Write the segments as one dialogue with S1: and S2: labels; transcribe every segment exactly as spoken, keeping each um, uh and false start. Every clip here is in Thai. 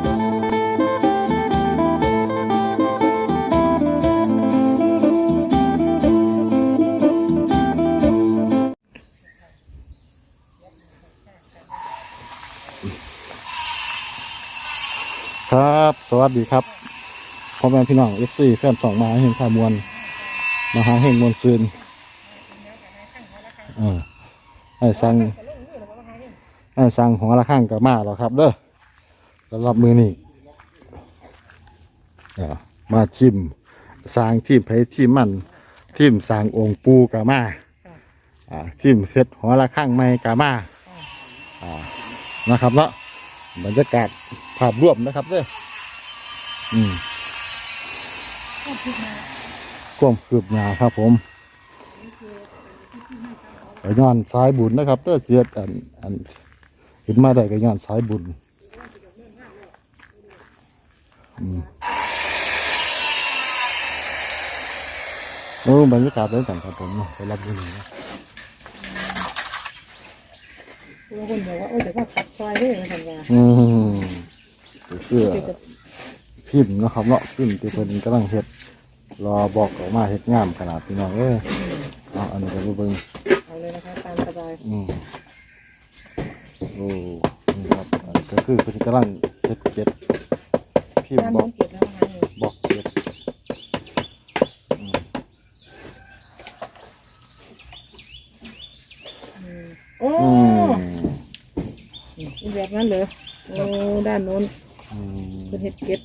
S1: ครับสวัสดีครับพ่อแม่พี่น้องเอฟซีแฟนสองมาเห็นข่าวมวลมาหาเฮงมวลซืนเออไอ้สั่งไอ้สั่งของละข้างกับมาหรอครับเด้อสำหรับมือนี่มาทิมสร้างทีมไผ่ทีมมันทีมสร้างองค์ปูกับมาอ่าทีมเซตหัวละข้างไม่กับมาอ่านะครับเนาะบรรยากาศภาพรวมนะครับเด้ออืมก้มคืบหน้าครับผมกระย้อนสายบุญนะครับเด้อเสียดอันอันเห็นมาได้กระย้อนสายบุญอืมโอ้บรรยากาศเลยกันครับผมไปรับดูหน่อยนะ
S2: บางคนบอกว่าโอ้แต่ว่าขัดซอยด้วยนะท่านว่า
S1: อืมเพื่อพิมพ์นะครับเนาะพิมพ์ที่เพิ่นกำลังเฮ็ดรอบอกออกมาเฮ็ดงามขนาดพี่น้องเอ้ยเอาอันนี้ก็เบิ่ง
S2: เอาเลยนะคะตามสบาย
S1: อืมโอ้นี่ครับก็คือเพิ่นกำลังเฮ็ดเก็ดพิมพ์บอกบอกเก็ด
S2: โอ้ยแบบนั้นเลยโอ้ด้านโน้นเป็นเห็ดเก็ด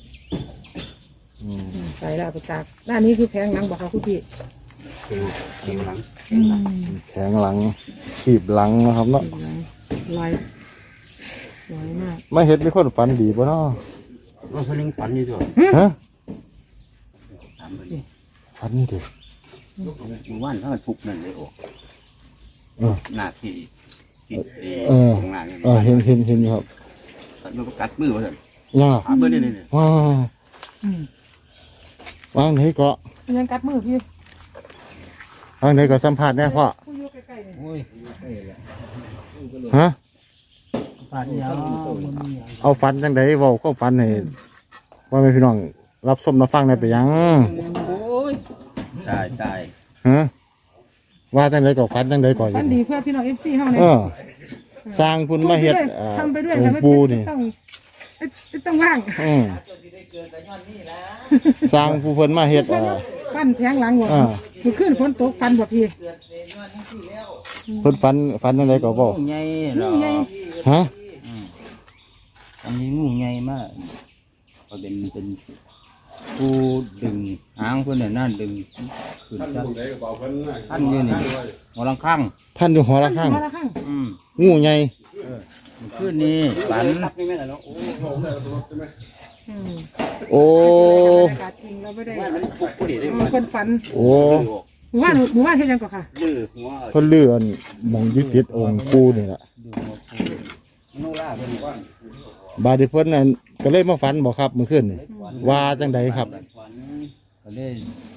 S2: ใส่แล้วไปตากด้านนี้คือแผงหลังบอกเขาคุณพี่
S1: แข็งหลังแข็งหลังขีบหลังนะครับเนาะ
S2: ลอยลอยมาก
S1: ไม่เห็ดมีคนฝันดีป่ะเนาะ
S3: ว่าเขาเลี้ยงฝันอยู่ด้วย
S1: ฮะฝันดิ
S3: หมู่บ้านเขาทุกนั่นเลยโอ้หน้าที่
S1: เออเออเห็นเห็นเห็นครับ
S3: มันก็กัดมือมาสั่น
S1: ยังอ่ะ
S3: มือนี่นี่
S1: ว้าววางไหนก็
S2: ยังกัดมือพี่
S1: วางไหนก็สัมผัสแน่พ่อฮะเอาฟันจังไดเว้าก็ฟันให้ว่าไม่พี่น้องรับส้มรับฟังได้ไปยัง
S3: ตายตาย
S1: ฮะว่าจังไดก็ฟันจังไดก่อน
S2: ฟันดีเพื่อพี่น้องเอฟซีเฮาเนี่ย
S1: สร้างคุณมาเฮ็ด
S2: ทำไปด้วย
S1: แล้วปูนี่
S2: ต้องต้องว่าง
S1: สร้างผู้เพิ่นมาเฮ็ด
S2: ปั้นแผงหลังหัวคือขึ้นฝนตกฟันบ่พี่
S1: เพิ่นฟันฟันอะไรก็บอก
S3: งูใหญ่หรอ
S1: ฮะ
S3: อันนี้งูใหญ่มากเขาเป็นเป็นผู้ดึงหางเพิ่นเนี่ยนั่นดึงขึ้นซะท่านอยู่นี่หัวลังข้าง
S1: ท่านอยู่หัวลังข้างงูใหญ่
S3: ขึ้นนี่ฝัน
S1: โอ้
S2: จริงเราไม่ได้คนฝัน
S1: โอ้
S2: หมู่บ้านหมู่บ้านเฮ็ดยังก่อนค่ะ
S1: เพิ่นเลื่อนมองยึดติดองค์ปู่นี่แหละบาดเพิ่นนั่นก็เลยมาฝันบ่ครับเมื่อคืนนี่ว่าจังใดครับ
S3: ก็เลย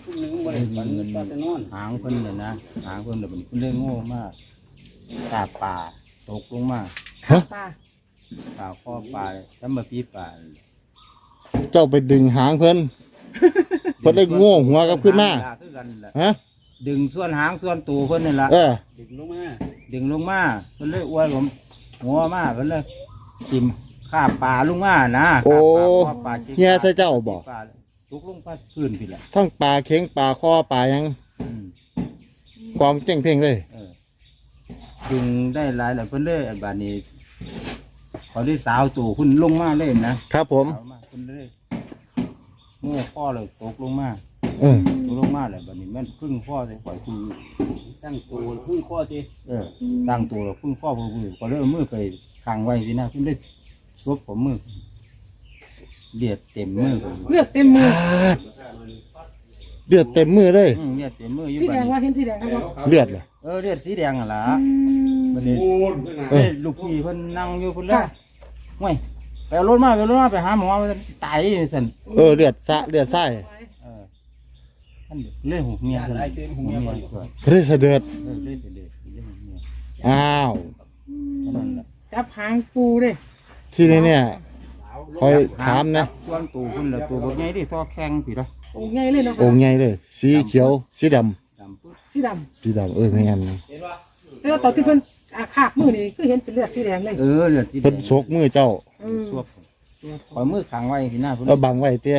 S3: หางเพิ่นเนี่ยนะหางเพิ่นเนี่ยเพิ่นเลยโง่มากตาป่าตกลงมา
S1: ฮะ
S2: ป่า
S3: ป่าข้อป่าจำมาปีป่า
S1: เจ้าไปดึงหางเพิ่นเพิ่นได้โง่หัวกับขึ้นมาฮะ
S3: ดึงส่วนหางส่วนตูเพิ่นนี่ละดึงลงมาดึงลงมาเพิ่นเลยอ้วนผมหัวมาเพิ่นเลยจิ้มข้าป่าลงมานะ
S1: โอ้เฮียใส่เจ้าบอก
S3: ลุกลงไปพื้นพี่ละ
S1: ทั้งป่าเข็งป่าคอป่ายังกองเจ้งเพ่งเลย
S3: ดึงได้หลายหลายเพิ่นเลยบาดนี้พอได้สาวตู่คุณลงมาเลยนะครับ
S1: ผม
S3: คุณเลยโง่ข้อเลยตกลงมา
S1: เออ
S3: ตกลงมาเลยบาดนี้แม่นพึ่งข้อเลยปล่อยคุณตั้งตัวพึ่งข้อทีเออตั้งตัวแล้วพึ่งข้อพึ่งพึ่งก็เลยมือไปขังไว้สินะคุณได้ซบผมมือเลือดเต็มมือ
S2: เลือดเต็มมือ
S1: เลือดเต็มมือเลย
S3: เลือดเต็มมือ
S2: สีแดงว่าเห็นสีแดงครับ
S1: เลือดเลย
S3: เออเลือดสีแดงอ่ะล่ะมันนี่ลูกพี่เพิ่นนั่งอยู่เพิ่นเลยห่วยไปเอารถมาไปเอารถมาไปหาหมอมันตายสั่น
S1: เออเลือดซะเลือดไส้
S3: เออท่านเลื่อยหูเมียกันหูเมียก่อน
S1: เลื่อยเสด็จ
S3: เออเลื่อยเสด็จเลื่อยหูเมีย
S1: อ้าว
S2: จับหางปูเลย
S1: ที่นี่เนี่ยคอยถามนะ
S3: ส่วนตัวคุณละตัวบักใหญ่ที่ท่อแข็งพี่ละ
S2: องค์ใหญ่เลยเนาะ
S1: องค์ใหญ่เลย สีเขียว สีดำ
S3: ดำปึ๊ด
S2: สีด
S1: สีดำเออไม่งั้น
S2: ำแล้วตอนที่เพิ่นอาคาบมือนี่คือเห็นเป็นเลือดสีแดงเลย
S3: เออเลือดสีแด
S1: เพิ่น
S3: ง
S1: โศกมือเจ้า
S2: อืม
S3: สวบปล่อยมือขังไว้ที่หน้าพุ่น
S1: แล้วบังไว้เตี้ย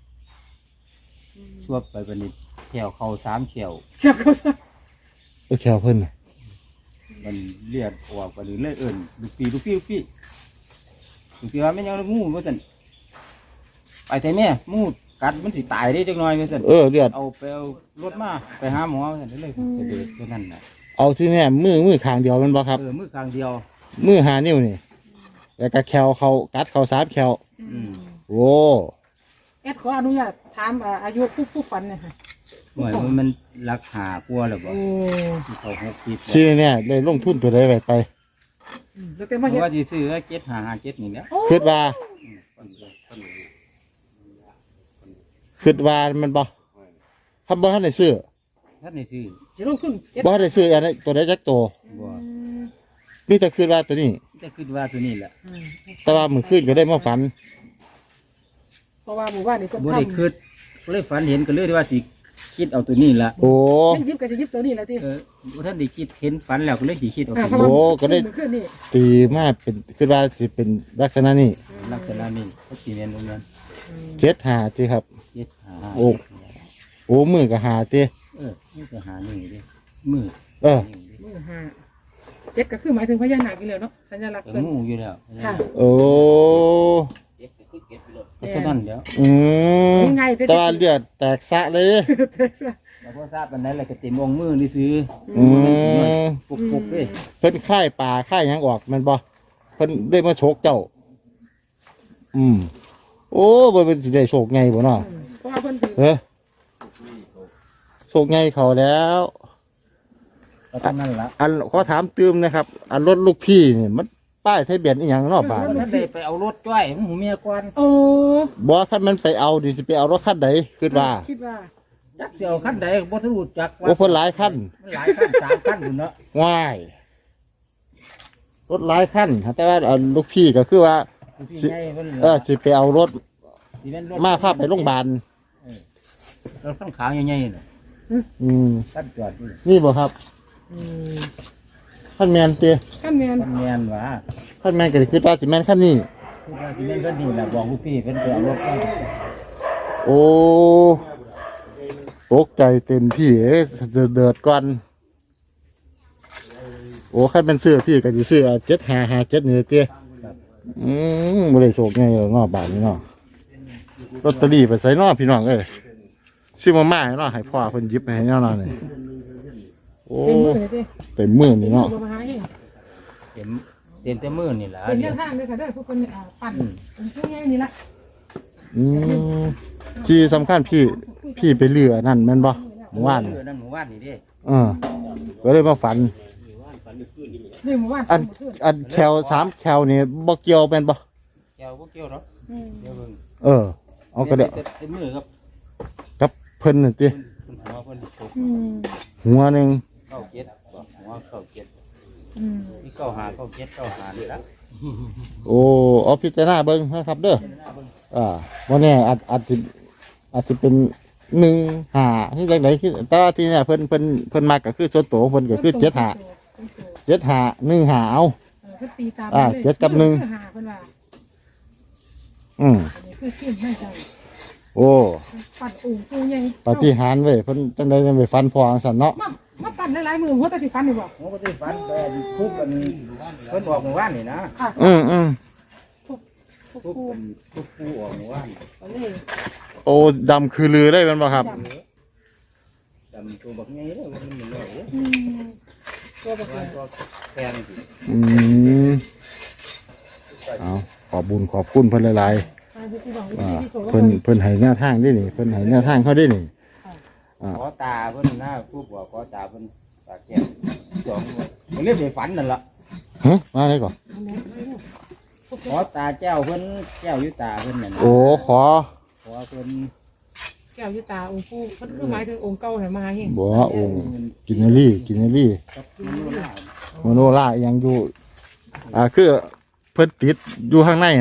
S3: สวบไปบัดนี้แขวเข่าสามแขว
S2: เชื่อเขาซะ
S1: เออแขวเพิ่นน่ะ
S3: มันเลือดออกไปเลยเลยเอิ่นลูกปีลูกปีลูกปีลูกปีว่าไม่นยังงูว่าสั่นไปแต่แม่งูกัดมันสิตายได้จังหน่อยว่าสั่น
S1: เออเลือด
S3: เอาไปเอารถมาไปหาหมอว่าสั่นเลยเสด็จตัวนั้นน่ะ
S1: เอาที่แน่มือมือข้างเดียวแมันบ่ครับ
S3: เออมือข้างเดียว
S1: มือหานิ้วนี่แล้วก็แขวเขากัดเขาสามแขว
S3: อืม
S1: โอ้
S2: แอดขออนุญาตถามอ่าอายุผู้ผู้ฝันเนี่ยค่ะ
S3: หน่วยมันมันรักหากลัวหรือเปล่า
S2: โอ้
S3: ที่เขาหกสิบ
S1: ที่เนี่ยได้ลงทุนตัวใดไว้ไป
S2: อืมแล้วแต่
S3: เพ
S2: มาเห็น
S3: ราะว่าที่ซื้อเจ็ดหาหาเจ็ดนี่แหละ
S1: คิดว่าคิดว่ามันบ่ทำบ่ทันได้ซื้อ
S3: ท่านในซื้อ
S2: จะลงทุนเจ็ด
S1: บ่ทันได้ซื้ออันนี้ตัวใดจักตัว
S3: บ่
S1: มีแต่คิดว่าตัวนี้
S3: แต่คิดว่าตัวนี้แหละ
S2: อืม
S1: แต่ว่ามื้อคืนก็ได้มาฝัน
S2: เพราะว่าหมู่บ้านนี่ก็
S3: บ่
S2: ทำ
S3: ได้คิดก็เลยฝันเห็นก็เลยว่าสิคิดเอาตัวนี้ละ
S1: โอ้
S2: เล่นยิบก็จะยิบตัวนี้แหละที่
S3: เออบ่ท่านได้คิดเห็นฝันแล้วก็เลยสิคิดเอา
S2: อ่า
S3: ตัว
S2: เพราะ
S3: นี้
S2: ว่า
S1: โอ้ก็ได้
S2: ขึ้นนี่
S1: ตีมาเป็นคิดว่าสิเป็นลักษณะนี้
S3: ลักษณะนี้เขาสิเรียนตรงนั้น
S1: เจ็ดหาติครับ
S3: เจ็ดหา
S1: โอ้ โอ้มือก็หาติ
S3: เออนี่ก็หานี่ดิมือ
S1: เออ
S2: มือห้าเจ็ดก็คือหมายถึงพญานาคอยู่แล้วเนาะสัญลักษณ์
S3: ก็
S2: เพิ่น
S3: งูอยู่แล้ว
S2: ค่ะ
S1: โอ้
S3: ก็เท่านั้นเดี๋ยว
S1: อืม
S2: ยังไง
S1: แต่ว่าเลือดแตกสะเลย
S3: แล้วพอทราบปันนั้นแหละก็เต็มองค์มือนี่ซื้อ
S1: อืม
S3: ปุกปุกๆเลย
S1: เพิ่นค่ายป่าค่ายหยังออกแมันบ่เพิ่นได้มาโชกเจ้า อืม โอ้บ่เป็นสิได้โชคไงบ่เนาะ
S2: เพราะว่าเพิ่นถือ
S1: เฮ้ยโชคไงเขาแล้ว
S3: ก็เท่านั้นละ
S1: อันขอถามตืมนะครับ อันรถลูกพี่นี่มันป้ายทะเบียนอีหยังเนาะบาด
S3: ท่านได้ไปเอารถจ้อยของหูเมียก่อน
S2: โอ้
S1: บ่คันมันไปเอาดิสิไปเอารถคันใดคิดว่า
S2: คิดว่า
S3: จักเดียวขั้นใดบ่ทะลุจัก
S1: โอ้เพิ่นหลายคัน
S3: มันหลายขั้นสามขั้นอยู่เนาะ
S1: ง่าย รถหลายคันแต่ว่าอันลูกพี่ก็คือว่า
S3: ที่ใหญ่เพิ่น
S1: เออสิไปเอารถ
S3: สิแนรถ
S1: มาพาไปโรงพยาบาล
S3: รถข้างขาวใหญ่ๆน่ะ
S1: อืม
S3: ตั้งจอดอยู่
S1: นี่บ่ครับ
S2: อืม
S1: ขั้นแมนเตีย
S2: ข้ามแมน
S3: มันแม่นว่า
S1: ขั้นแมนก็คือว่าสิแมนขั้นนี้
S3: คือว่าสิแม่นก็ดีแหละบอกลูกพี่เพิ่นไปเอารถมา
S1: โอ้ตกใจเต็มที่เอ้ยเดือดเดือดก่อน โอ้ขั้นเป็นเสื้อพี่ก็จะเสื้อเจ็ดหาหาเจ็ดนี่เตี้ยอืมบริโภคไงเนาะบาทนี้เนาะลอตเตอรี่ไปใส่เนอพี่น้องเอ้ยซื้อมาม่าให้เนาะให้พ่อเพิ่นหยิบให้เนาะนี่โอ้
S2: เต็มมือเลยที่
S1: เต็มมือนี่เนาะ
S2: บ่มาหาเอง
S3: เต็มเต็มแต่มือนี่ล่ะ
S2: เป็น
S3: เดี๋
S2: แน
S3: ยว
S2: วทางเลยค่ะเด้อทุกคนอ่าปั่นเป็นช่วงใหญ่นี่ละ
S1: อืมที่สำคัญพี่พี่ไปเรือนั่นแม่นบ่เมื่อวาน
S3: เออนั่นหมู่บ้านนี่เด้
S1: เออก็เลยมาฝัน
S2: นี่หมู่บ้าน
S1: อันอันแคลสามแคลนี่บ่เกี่ยวเป็นบ่
S3: แก้วบ่เกี่ยวหรอก
S2: อืม
S3: เดี๋ยวเบิ่ง
S1: เออ เอาก็ได้
S3: เต็มมือครับ
S1: กับเพิ่นน่ะติ
S3: เพิ่นหัวเพิ่นตก
S2: อืม
S1: หัวหนึง
S3: เข้าเจ็ดบอกหัวเข้าเจ็ด
S2: อืม
S3: นี่เข้าหาเข้าเจ็ดเข้าหานี่ละ
S1: โอ้เอาพิจารณาเบิ่งนะครับ เด้ออ่าบ่แน่อาจอาจสิอาจสิเป็นหนึ่งหาที่จังไดคือแต่ว่าที่เนี่ยเพิ่นเพิ่นเพิ่นมักก็คือส่วนตัวของเพิ่นก็คือเจ็ดหาเจ็ดหาหนึ่งหาเอา
S2: เออเพิ่นตีตาม
S1: อ่าเจ็ดกับหนึ่ง
S2: เพิ่หาเพิ่นว่า
S1: อืม
S2: อันนี้คือขึ้นไม่ใช่
S1: โอ้
S2: ปั่นอู่ปูใหญ่
S1: ปาฏิหาริย์เว้ยเพิ่นจังได๋จังไปฟันพอจังซั่นเนาะ
S2: มามาปั่นหลายๆมือหัวตะสิฟันนี่บ่
S3: ผมก็ได้ฝันแต่ทุบกันเพิ่นบอกหมู่บ้านนี่นะ
S2: ค่ะ
S1: อืมอืม
S2: ทุกทุก
S3: ทุบ
S2: ปู
S3: กันทุบปูออกหมู่บ้าน
S2: เอาเลย
S1: โอ้ดำคือลือได้แม่นบ่ครับ
S3: ดำตัวบักไงเลยว่ามันเหมือนเลย
S2: อืมตัวแบบ
S3: ว่า
S2: นี้
S3: ตัวแพงสิ
S1: อืมเอาขอบบุญขอบคุณเพิ่นหลาย
S2: ทางที่ที่บอก
S1: ๆอ่า
S2: ที่ที่โสด
S1: เพิ่นเพิ่นให้แนวทางได้นี่เพิ่นให้แนวทางเขาได้นี่
S3: ขอตาเพิ่นหน้าผู้บอกขอตาเพิ่นตาแก้วสองมันเรียกไปฝันนั่นล่ะ
S1: ฮะมาได้ก่อน
S3: ขอตาแก้วเพิ่นแก้วอยู่ตาเพิ่นนั่นน่ะ
S1: โอ้ขอ
S3: ขอเพิ่น
S2: แก้วยุตาองค์ปู่เพิ่นคือหมายถึงองค์เก่าให้มาให้
S1: บ่องค์กินนารีกินนารี
S3: กับมันนู่นน่ะ
S1: โมโนล่ายังอยู่อ่าคือเพิ่นติดอยู่ข้างในน่ะ
S2: อ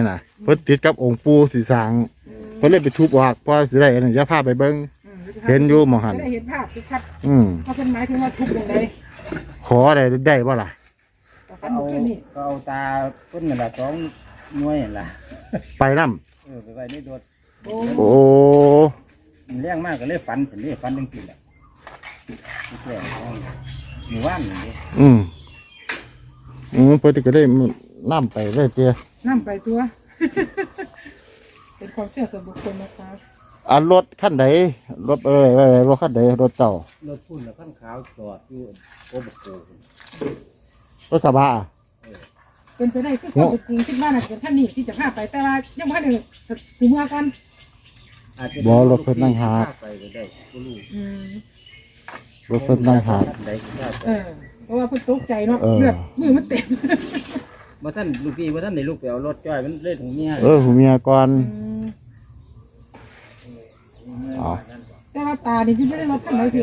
S1: เพิ่นติดกับองค์ปู่สีสร้างเพิ่นเลยไปทุบออกเพราะสิได้อันนี้อย่าพาไปเบิ่ง
S2: อืม
S1: เห็นอยู่หมอหัน
S2: จะได้เห็นภาพชัด
S1: อืม
S2: ๆเพราะเป็นหมายถึงว่าทุบอย่างใด
S1: ขอได้ได้บ่ล่ะ
S2: ต่อ
S3: ก็
S2: กัน
S3: เอา
S2: ขึ้นนี่
S3: ก็เอาตาเพิ่นนั่นล่ะสองหน่วยนั่นล่ะ
S1: ไปนํ
S3: เออไปไว้ในรถ
S2: โอ้
S1: โอ้
S3: มันเลี้ยงมากก็เลยฝันเป็นเรียฝันจังซี่แหละที่แก่หมู่บ้านนี่
S1: อืมอืมเพิ่นก็ได้นํไปได้เตี้ย
S2: น้ำไปตัว เป็นความเชื่อส่วนบุคคลนะคะ
S1: อันรถคันใดรถเอ้ยเอ้ยรถคันใดรถเจ้าร
S3: ถพุ่นแล้วขั้นขาวจอดอยู่โอ้บกโก
S1: รถกระบะ
S2: เป็นไปได้คือความเป็นจริงคิดว่าน่ะเป็นท่านนี่ที่จะพาไปแต่ว่ายังไม่ได้ถึงเมื่อก่อน
S3: อาจจะ
S1: บ่รถเพิ่นนั่งหา
S3: ไปก็ได้ก็รู้
S2: อืม
S1: รถเพิ่นนั่งหา
S3: ใดก็ได้
S2: เออเพราะว่าเพิ่นตกใจเนาะ
S1: เออ
S2: เลือดมือมันเต็ม
S3: ว่าท่านลูกพี่ว่าท่านในลูกไปเอารถจ้อยมันเล่นของเมีย
S1: เออหูเมียก่อน
S2: อืม
S1: อ๋อ
S2: แต่ว่าตานี่ที่ไม่ได้รถท่านไหนพี่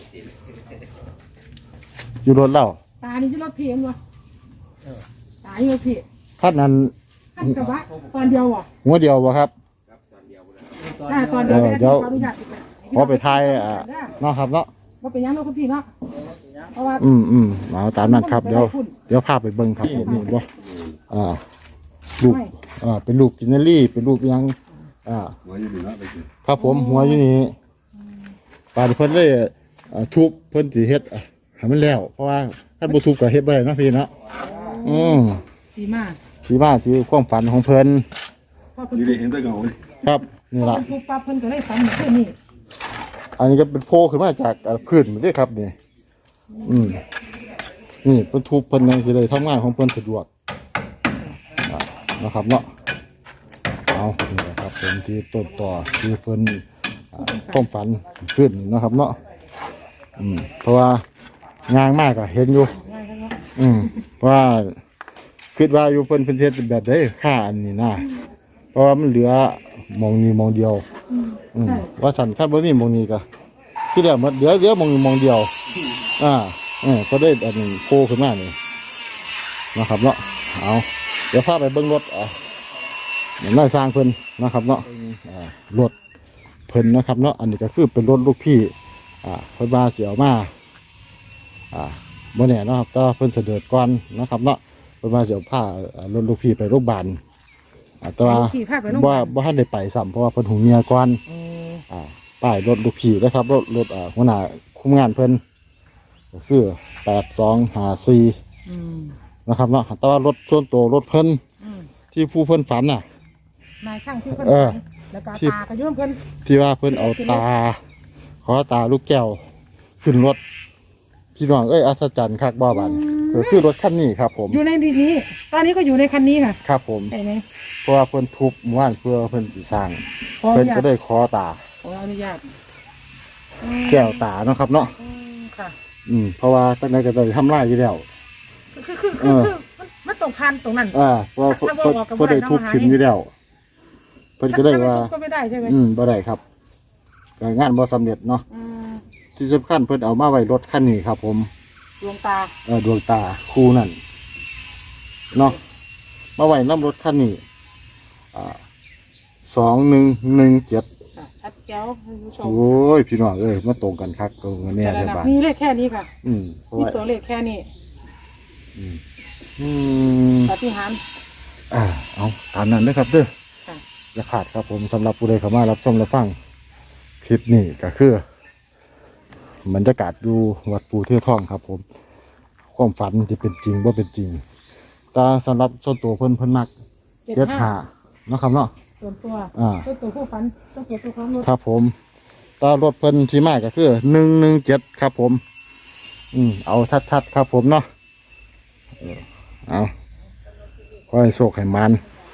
S1: อยู่รถเรา
S2: ตานี่ที่รถเพียงวะตาอยู่รถเพียง
S1: คันนั้น
S2: ขั้นกระบะตอนเดียววะ
S1: หัวเดียวบ่ครับ
S2: อ่าตอนเดียว
S1: เออเดี๋ยว
S2: ขออนุญาต
S1: พอไปทายอ่าเนาะครับเนาะ
S2: ว่าเป็นยังเนาะคุณพี่เนาะเพราะว่า
S1: อืมอืมเอาตามนั้นครับเดี๋ยวเดี๋ยวพาไปเบิ่งครับนี่นี่บ่อ่าลูกอ่าเป็นลูกกินเนอรี่เป็นลูกอิหยังอ่าครับผมหัวอยู่นี่ปาดเพิ่นเลยอ่าทุบเพิ่นสิเฮ็ดอ่ะให้มันแล้ว เพราะว่าถ้าบ่ทุบก็เฮ็ดบ่ได้เนาะพี่เนาะอืม
S2: ดีมาก
S1: ที่มาที่ความฝันของเพิ่น
S2: พอเพิ่น
S4: อยู่ได้เห็นแตะเงาเลย
S1: ครับนี่
S2: พอ
S1: ล่ะ
S2: เพิ่นทุบปั๊บเพิ่นก็เลยฝันเหมือนเพื่อนนี่
S1: อันนี้ก็เป็นโพขึ้นมาจากอ่าพื้นนี่เด้อครับนี่อืมนี่เพิ่นทุบเพิ่นยังสิได้ทำงานของเพิ่นสะดวกอ่านะครับเนาะเอานี่แหละครับเป็นที่ต้นต่อที่เพิ่นอ่าความฝันขึ้นเนาะครับเนาะอืมเพราะว่างานมากอะเห็นอยู่
S2: ง่ายครับเนาะ
S1: อืมเพราะว่าคิดว่าอยู่เพิ่นเพิ่นเฮ็ดแบบใดค่าอันนี้นะเพราะว่ามันเหลือหมองนี้หมองเดียว
S2: อืม
S1: อืม
S2: ใช่
S1: ว่าสันคันบ่มีหมองนี้ก็ที่แล้วมันเหลือเหลือหมองนี้หมองเดียว อ่าเออก็ได้อันนี้โผล่ขึ้นมานี่นะครับเนาะเอาเดี๋ยวพาไปเบิ่งรถอ่ะเดี๋ยวน้อยสร้างเพิ่นนะครับเนาะอ่ารถเพิ่นนะครับเนาะอันนี้ก็คือเป็นรถลูกพี่อ่าเพิ่นมาสิเอามาอ่าบ่แน่เนาะครับแต่ว่าเพิ่นเสด็จก่อนนะครับเนาะเพิ่นมาสิเอาพาอ่ารถลูกพี่ไปโรงพยาบาลอ่าแต่ว่า
S2: ขี่ภาพไปโรงพยา
S1: บ่
S2: บาล
S1: บ่ทันได้ไปซ้ำเพราะว่าเพิ่นหูเมียก่อน
S2: เออ
S1: อ่าป้ายรถลูกพี่นะครับรถรถอ่าหัวหน้าคุมงานเพิ่นก็คือแปดสองห้าสี่
S2: อืม
S1: นะครับเนาะแต่ว่ารถส่วนตัวรถเพิ่น
S2: อืม
S1: ที่ผู้เพิ่นฝันน่ะ
S2: นายช่างที่เพิ่น
S1: เออ
S2: ฝันแล้วก็
S1: ที่
S2: ตากระยุ่มเพิ่น
S1: ที่ว่าเพิ่นเอาตา ขอตาลูกแก้วขึ้นรถพี่น้องเอ้ยอัศจรรย์คักบ่บันก็คือรถคันนี้ครับ ผม
S2: อยู่ในดีนี้ ตอนนี้ก็อยู่ในคันนี้ค่ะ
S1: ครับผม
S2: ใช่ไหม
S1: เพราะว่าเพิ่นทุบหมู่บ้านเพื่อเพิ่นสิสร้าง
S2: ขออ
S1: เพิ่น
S2: นุญา
S1: ก็
S2: ต
S1: ได้ขอตา
S2: ขออนุญาต
S1: แก้วตาเนาะครับเนาะ
S2: อืมค่ะ
S1: อืมเพราะว่าตั้งแต่ก็ได้ทำลายอยู่แล้ว
S2: คือคือ
S1: เอ
S2: คือ
S1: อ
S2: คือมันมันตรงพันตรงนั้น
S1: อ่าเพราะว่าเพิ่น
S2: ถ้าบ่ออกก็บ่
S1: เพิ่น
S2: ได้
S1: ได้ทุบ
S2: เนาะ
S1: ขึ้นอยู่แล้วเพิ่นก็ได้ว่า
S2: ถ้ไม่ทุบก็ไม่ได้ใช่ไหม
S1: อืมบ่ได้ครับก็งานบ่สำเร็จเนาะ
S2: อืม
S1: ที่สำคัญเพิ่นเอามาไว้รถคันนี้ครับ ผม
S2: ดวงตา
S1: เออดวงตาคู่นั่นเนาะมาไว้นํรถคันนี้อ่าสองหนึ่งหนึ่งเจ็ด
S2: ค่ะชัดแจ๋วคุณผู้ชม
S1: โอ้ยพี่น้องเอ้ยมาตรงกันคักตรงกันเนี่ย
S2: จะ
S1: เด้
S2: ระ
S1: อ
S2: ดับ
S1: บ่า
S2: มีเลขแค่นี้ค่ะ
S1: อืมเพราะ
S2: มี
S1: ว่า
S2: ตัวเลขแค่นี้
S1: อืม
S2: ปาฏิหาริย์
S1: อ่าเอาตามนั้นเด้อครับเด้อ
S2: ค่ะ
S1: อย่าขาดครับผมสำหรับผู้ใดเข้ามารับชมรับฟังคลิปนี้ก็คือบรรยากาศดูวัดปูเทือทองครับ ผมความฝันจะเป็นจริงว่าเป็นจริงแต่สำหรับส่วนตัวเพิ่นเพิ่นมัก
S2: เจ็ด
S1: เจ็ด
S2: ห้า
S1: หาเนาะครับเนาะ
S2: ส่วนตัว
S1: อ่า
S2: ส่วนตัวผู้ฝันส่วนตัวตัวของรถ
S1: ครับผมแตารถเพิ่นที่มาก็คือหนึ่งหนึ่งเจ็ดครับผม อืมเอาชัดๆครับผมเนาะเออเอาขอให้โชคให้มัน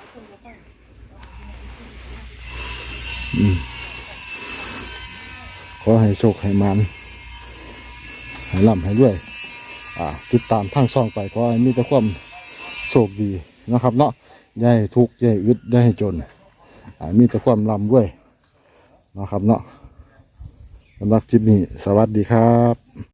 S1: อืมขอให้โชคให้มันให้ร่ำให้ด้วย อ่า ติดตามทางช่องไปขอให้มีแต่ความโชคดีนะครับเนาะอย่าให้ทุกข์อย่าให้อึดอย่าให้จน อ่ามีแต่ความร่ำด้วยนะครับเนาะสำหรับคลิปนี้สวัสดีครับ